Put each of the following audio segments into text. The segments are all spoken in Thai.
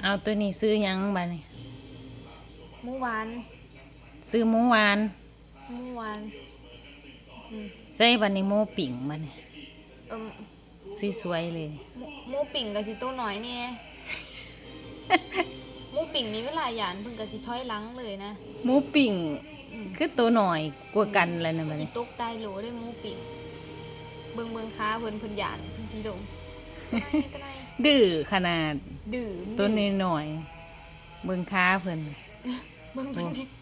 เอาตัวนี้ซื้อหยังบัดนี้หมูหวานซื้อหมูหวานหมูหวานใส่บัดนี้หมูปิ่งบัดนี้เอิ่มสวยๆเลยหมูปิ่งก็สิตัวน้อยนี่หมูปิ่งนี่เวลาหยานเพิ่นก็สิถอยหลังเลยนะหมูปิ่งคือตัวหน่อยกว่ากันแล้วนะบัดสินี้ตกตายโหลได้หมูปิ่งเบิ่งขาเพิ่นหยานเพิ่นสิลงก็ได้ดื้อขนาดดื้อตัวน้อยๆเบิ่งขาเพิ่นเบิ่ง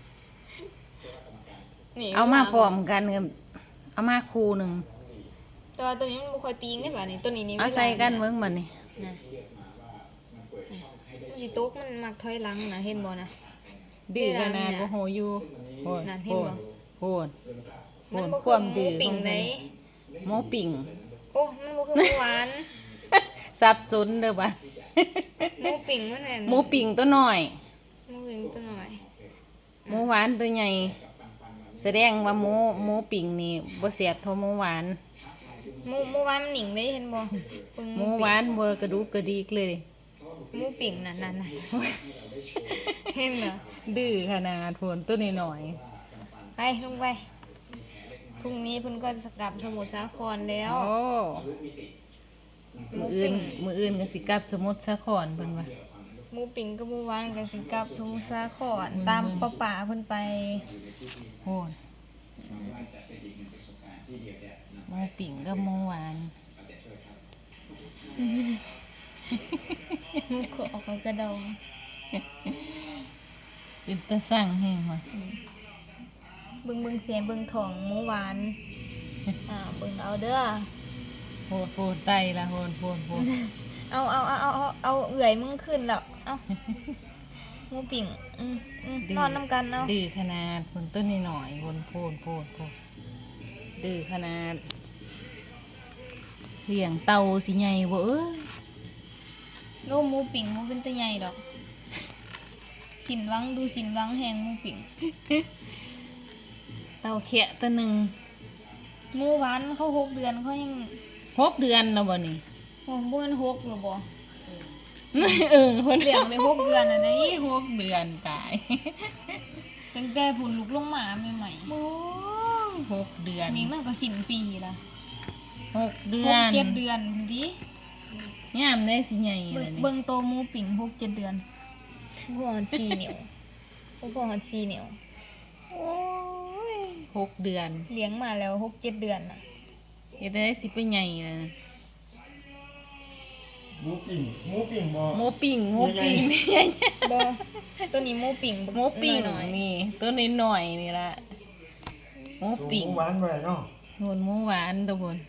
นี่เอามาพร้อมกันกับเอามาคู่หนึงแต่ว่าตัวนี้มันบ่ค่อยตีงได้บัดนี้ตัวนี้นี่เอาใส่กันเบิ่งบัดนี้นะมันสิตกมันมักถอยหลังนะเห็นบ่นะดื้อขนาดบ่โหอยู่โหดนั่นเห็นบ่โหดมันบ่คือหมูปิ่งไหนหมูปิ่งโอ้มันบ่คือหมูหวานสับสนเด้อบัดหมูปิ่งมันนั่นหมูปิ่งตัวน้อยหมูปิ่งตัวน้อยหมูหวานตัวใหญ่แสดงว่าหมูปิ่งนี่บ่แซ่บเท่าหมูหวานหมูหวานมันหนิงเลยเห็นบ่หมูหวานเบอร์กระดูกกระดิกเลยหมูปิ่งนั่นเห็นเหรอดื้อขนาดโพนตัวน้อยไปลงไปพรุ่งนี้เพิ่นก็จะกลับสมุทรสาครแล้วโอ้มื้ออื่นก็สิกลับสมุทรสาครเพิ่นว่าหมูปิ่งกับหมูหวานก็สิกลับสมุทรสาครตามป้าเพิ่นไปโหดหมูปิ่งกับหมูหวานหมูขอเขากระดองเป็นตาสั่งแห้งว่ะเบิ่งเสียงเบิ่งท้องหมูหวานเบิ่งเอาเด้อโหดไตละโหดเอาเอื่อยมึงขึ้นแล้วเอาหมูปิ่งนอนน้ำกันเอาดื้อขนาดคนต้นนิดหน่อยคนโพดดื้อขนาดเลี้ยงเต่าสิใหญ่บ่เอ้ยโลหมูปิ่งมันเป็นตะใหญ่ดอกสินวังแหงหมูปิ่งเต่าเขียตัวหนึ่งหมูหวานเขา6 เดือนเขายัง 6 เดือนแล้วบ่นี่โอ้บ่มัน6หรอบ่คนเลี้ยงได้6 เดือนอ่ะได้ 6 เดือนตายตั้งแต่ผุนลูกลงมาใหม่ๆโอ้6 เดือนนี่มันก็สิ้นปีละ 6 เดือน 6-7 เดือนพุ่นติยามได้สิใหญ่เบิ่งโตหมูปิ่ง6-7 เดือนบ่ฮอด4 นิ้วบ่ฮอด4 นิ้วโอ้ย6 เดือนเลี้ยงมาแล้ว6-7 เดือนน่ะเฮ็ดได้สิไปใหญ่แล้วนะหมูปิ่งบ่หมูปิ่งนี่บ่ตัวนี้หมูปิ่งหมูปิ่งนี่ตัวน้อยๆนี่ล่ะหมูปิ่งหมูหวานบ่เนาะโหนหมูหวาน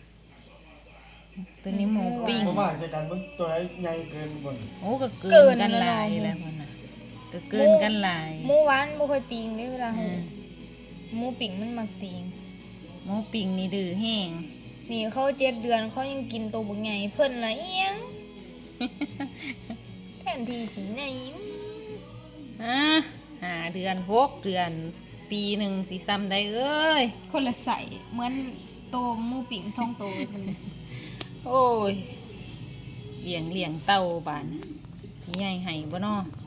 ตัวนี้หมูปิ่งบ่ว่าใส่กันเบิ่งตัวไหนใหญ่เกินบ่โอ้ก็เกินกันหลายแล้วพุ่นน่ะก็เกินกันหลายหมูหวานบ่ค่อยติงเด้เวลาหมูปิ่งมันมักติงหมูปิ่งนี่ดื้อแห้งนี่เขา7 เดือนเขายังกินตัวบักใหญ่เพิ่นละเอียงแทนที่สิใหญ่ 5 เดือน6 เดือนปีหนึ่งสิซ้ำได้เอ้ยคนละใส่เหมือนโตหมูปิ่งท้องโตมันโอ้ยเลี้ยงเต่าบานสิใหญ่ให้บ่น้อ